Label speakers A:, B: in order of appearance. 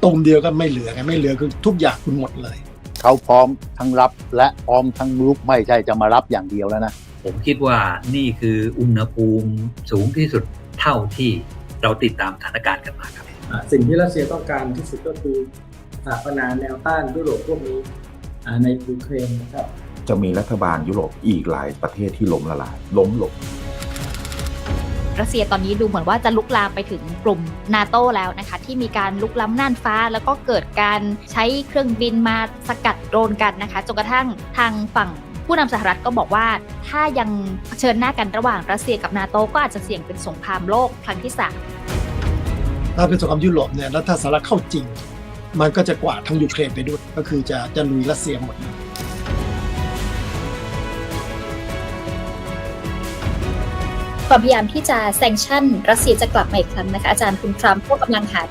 A: ตุ่มเดียวก็ไม่เหลือไงไม่เหลือคือทุกอย่างคุณหมดเลย
B: เขาพร้อมทั้งรับและพร้อมทั้งรุกไม่ใช่จะมารับอย่างเดียวแล้วนะ
C: ผมคิดว่านี่คืออุณหภูมิสูงที่สุดเท่าที่เราติดตามสถานการณ์กันมาครับ
D: สิ่งที่รัสเซียต้องการที่สุดก็คือสถาปนาแนวต้านยุโรปพวกนี้ในยูเครนนะครับ
E: จะมีรัฐบาลยุโรปอีกหลายประเทศที่ล้มละลายล้มลง
F: รัสเซียตอนนี้ดูเหมือนว่าจะลุกลามไปถึงกลุ่มนาโต้แล้วนะคะที่มีการลุกล้ำน่านฟ้าแล้วก็เกิดการใช้เครื่องบินมาสกัดโดรนกันนะคะจนกระทั่งทางฝั่งผู้นำสหรัฐก็บอกว่าถ้ายังเผชิญหน้ากันระหว่างรัสเซียกับนาโต้ก็อาจจะเสี่ยงเป็นสงครามโลกครั้งที่3
A: ถ้าเป็นสงครามยุโรปเนี่ยแล้วถ้าสหรัฐเข้าจริงมันก็จะกวาดทั้งยูเครนไปด้วยก็คือจะลุยรัสเซียหมด
F: ความพยายามที่จะแซงชั่นรัสเซียจะกลับมาอีกครั้งนะคะอาจารย์คุณทรัมป์ก็กำลังหา